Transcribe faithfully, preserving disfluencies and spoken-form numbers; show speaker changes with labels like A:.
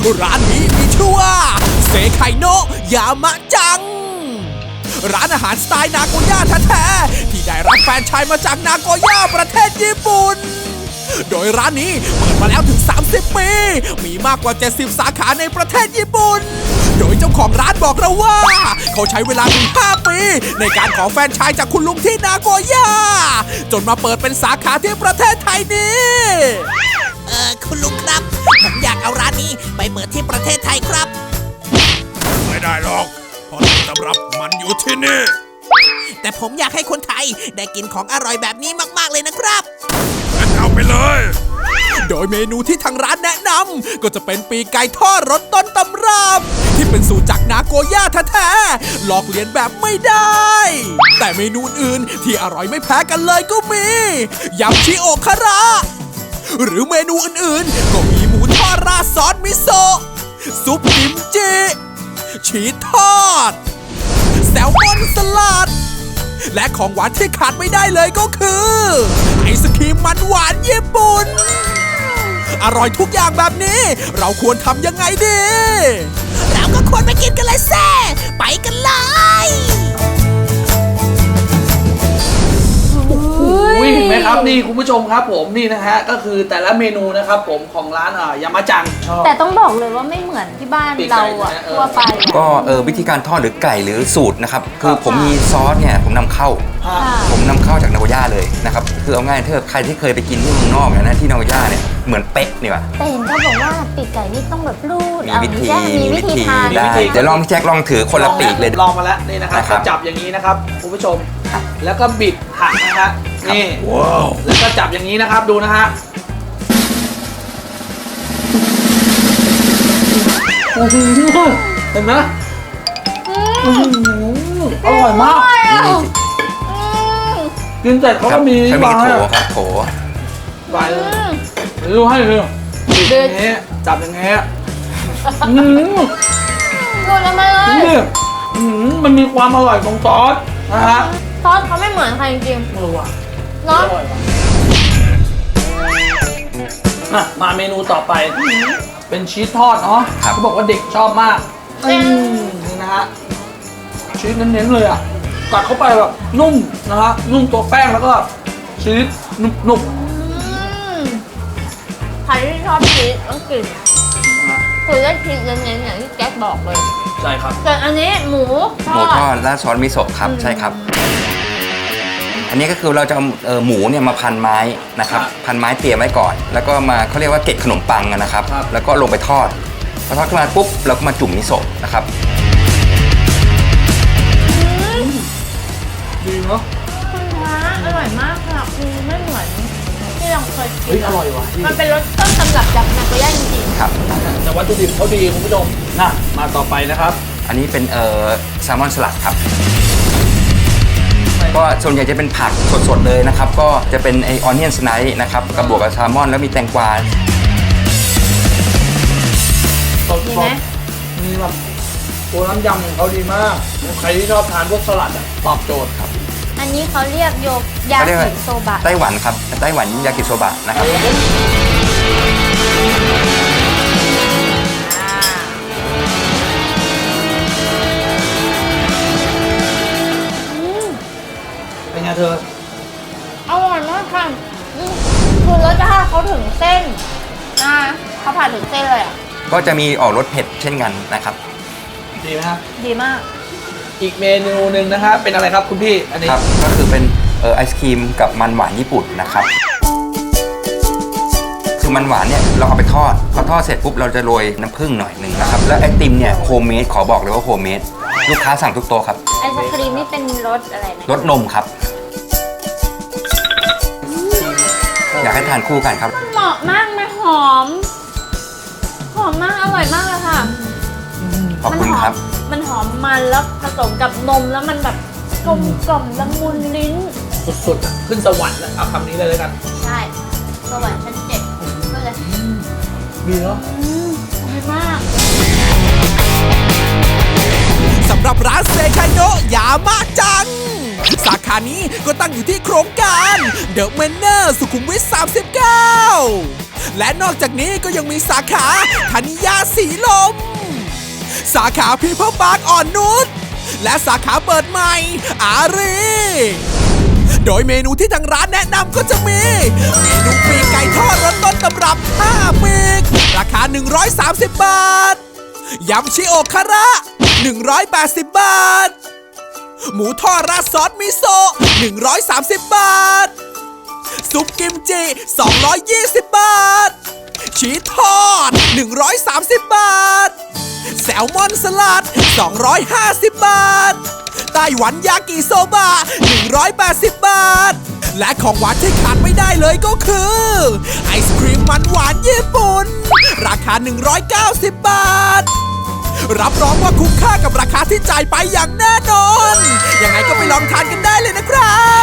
A: ร้านนี้มีชื่อว่าเซไคโนะยามะจังร้านอาหารสไตล์นาโกย่าแท้ๆที่ได้รับแฟรนไชส์มาจากนาโกย่าประเทศญี่ปุ่นโดยร้านนี้เปิดมาแล้วถึงสามสิบปีมีมากกว่าเจ็ดสิบสาขาในประเทศญี่ปุ่นโดยเจ้าของร้านบอกเราว่าเขาใช้เวลาถึงห้าปีในการขอแฟรนไชส์จากคุณลุงที่นาโกย่าจนมาเปิดเป็นสาขาที่ประเทศไทยนี้เออคุณลุงครับผมอยากเอาร้านนี้ไปเปิดที่ประเทศไทยครับ
B: ไม่ได้หรอกเพราะต้นตำรับมันอยู่ที่นี่
A: แต่ผมอยากให้คนไทยได้กินของอร่อยแบบนี้มากๆเลยนะครับ
B: งั้นเอาไปเลย
A: โดยเมนูที่ทางร้านแนะนำก็จะเป็นปีกไก่ทอดรสต้นตำรับที่เป็นสูตรจากนาโกย่าแท้ๆลอกเลียนแบบไม่ได้แต่เมนูอื่นที่อร่อยไม่แพ้กันเลยก็มียำชิโอคาระหรือเมนูอื่นๆก็มีหมูทอดราดซอสมิโซะซุปกิมจิชีสทอดแซลมอนสลัดและของหวานที่ขาดไม่ได้เลยก็คือไอศครีมมันหวานญี่ปุ่นอร่อยทุกอย่างแบบนี้เราควรทำยังไงดีเราก็ควรไปกินกันเลยแซ่ไปกันเลย
C: เห็นไหมครับนี่คุณผู้ชมครับผมนี่นะฮะก็คือแต่ละเมนูนะครับผมของร้านอ่ายามาจังชอบ
D: แต่ต้องบอกเลยว่าไม่เหมือนที่บ้านเราอะทั่วไป
E: ก็เออวิธีการทอดหรือไก่หรือสูตรนะครับคือผมมีซอสเนี่ยผมนำเข้าผมนำเข้าจากนาโกย่าเลยนะครับคือเอาง่ายถ้าใครที่เคยไปกินที่เมืองนอกเนี่ยนะที่นาโกย่าเนี่ยเหมือนเป๊ะนี่ว่ะ
D: แต่เห็นเขาบอกว่าปีกไก่นี่ต้องแบบรูด
E: มีวิธี
D: มีวิธีทาน
E: ได้เดี๋ยวลองพี่แจ็คลองถือคนละปีกเลย
C: ลองมาแล้วนี่นะครับจับอย่างนี้นะครับคุณผู้ชมแล้วก็บิดหักนะฮะนี่แล้วก็จับอย่างนี้นะครับดูนะฮะเห็นไหมอร่อยมากกินเสร็จเขาก็มี
E: วางโถครับโถ
C: ไปเลยดูให้เลยบิดอย่างนี้จับอย่างนี้อืม
D: หมดแล้วมาเลย
C: มันมีความอร่อยของซอสนะฮะ
D: ซอสเขาไม่เหมือนใครจริง
C: ๆเออว่ะ
D: เนาะ
C: มาเมนูต่อไปเป็นชีสทอดเนาะเขาบอกว่าเด็กชอบมากนี่นะฮะชีสเน้นๆเลยอ่ะกัดเข้าไปแบบนุ่มนะฮะนุ่มตัวแป้งแล้วก็ชีสนุ่ม
D: ใครที่ชอบชีสต้องกินคือได้ชีสเน้นๆอย่างที่แจ็คบอกเลย
C: ใช่ครับ
D: แต่อันนี้หมู
E: หมูทอดราดซอสมิโซะครับใช่ครับอันนี้ก็คือเราจะเอาหมูเนี่ยมาพันไม้นะครับพันไม้เตรียมไว้ก่อนแล้วก็มาเขาเรียกว่าเกล็ดขนมปังนะครับแล้วก็ลงไปทอดพอทอดขึ้นมาปุ๊บเราก็มาจุ่มมิโซะนะครับ
C: ดีเนาะ
D: คุณพระอร่อยมากค่ะคือไม่เหมือนที่เราเคยกิน
C: เฮ้ยอร่อยว่ะ
D: มันเป็นรสต้นตำรับจากนาโกย่าจริง
E: ๆครับ
C: แต่วัตถุดิบเขาดีคุณผู้ชมนะมาต่อไปนะครับ
E: อันนี้เป็นเอ่อแซลมอนสลัดครับก็ส่วนใหญ่จะเป็นผักสดๆเลยนะครับก็จะเป็นไอออนเนียนสไนด์นะครับกับบวกกับแซลมอนแล้วมีแตงกวา
C: ดีไหมมีแบบตัวน้ำยำของเขาดีมากใครที่ชอบทานพวกสลัดตอบโจทย์ครับ
D: อันนี้เขาเรียกโยกยากิโซบะ
E: ไต้หวันครับไต้หวันยากิโซบะนะครับ
C: เป็นไงเธอ
D: อร่อยมากค่ะคือรสชาติเขาถึงเส้นอ่าเขาผ่านถึงเส้นเลยอ่ะ
E: ก็จะมีออกรสเผ็ดเช่นกันนะครับ
C: ดีไหมครับ
D: ดีมาก
C: อีกเมนูหนึ่งนะครับเป็นอะไรครับคุณพี่อันนี้
E: ครับก็คือเป็นเอ่อไอศครีมกับมันหวานญี่ปุ่นนะครับคือมันหวานเนี่ยเราเอาไปทอดพอทอดเสร็จปุ๊บเราจะโรยน้ำผึ้งหน่อยหนึ่งนะครับแล้วไอติมเนี่ยโฮมเมดขอบอกเลยว่าโฮมเมดลูกค้าสั่งทุกโต๊ะครับ
D: ไอศครีมนี่เป็นรสอะไร
E: รสนมครับอยากให้ทานคู่กันครับ
D: เหมาะมากนะหอมหอมมากอร่อยมากเลยค่ะ
E: ขอบคุณครับ
D: มันหอมมันแล้วผสมกับนมแล้วมันแบบกลมกล่อมละมุนลิ้น
C: สุดๆขึ้นสวรรค์แล้วเอาคำนี้เลยแล้วกัน
D: ใช่สวรรค์ชั้นเจ็ดก็เลย
C: ดีเนาะ
D: ดีมาก
A: สำหรับร้านเซไคโนะยามะจังสาขานี้ก็ตั้งอยู่ที่โครงการเดอะแมนเนอร์สุขุมวิทสามสิบเก้าและนอกจากนี้ก็ยังมีสาขาธนิยาสีลม สาขาพีเพิลปาร์คอ่อนนุชและสาขาเปิดใหม่อารีโดยเมนูที่ทางร้านแนะนำก็จะมีเมนูปีกไก่ทอดรสต้นตำรับห้าปีกราคาหนึ่งร้อยสามสิบบาทยำชิโอคาระหนึ่งร้อยแปดสิบบาทหมูทอดราดซอสมิโซะหนึ่งร้อยสามสิบบาทซุปกิมจิสองร้อยยี่สิบบาทชีสทอดหนึ่งร้อยสามสิบบาทแซลมอนสลัดสองร้อยห้าสิบบาทไต้หวันยากิโซบะหนึ่งร้อยแปดสิบบาทและของหวานที่ขาดไม่ได้เลยก็คือไอศครีมมันหวานญี่ปุ่นราคาหนึ่งร้อยเก้าสิบบาทรับรองว่าคุ้มค่ากับราคาที่จ่ายไปอย่างแน่นอนยังไงก็ไปลองทานกันได้เลยนะครับ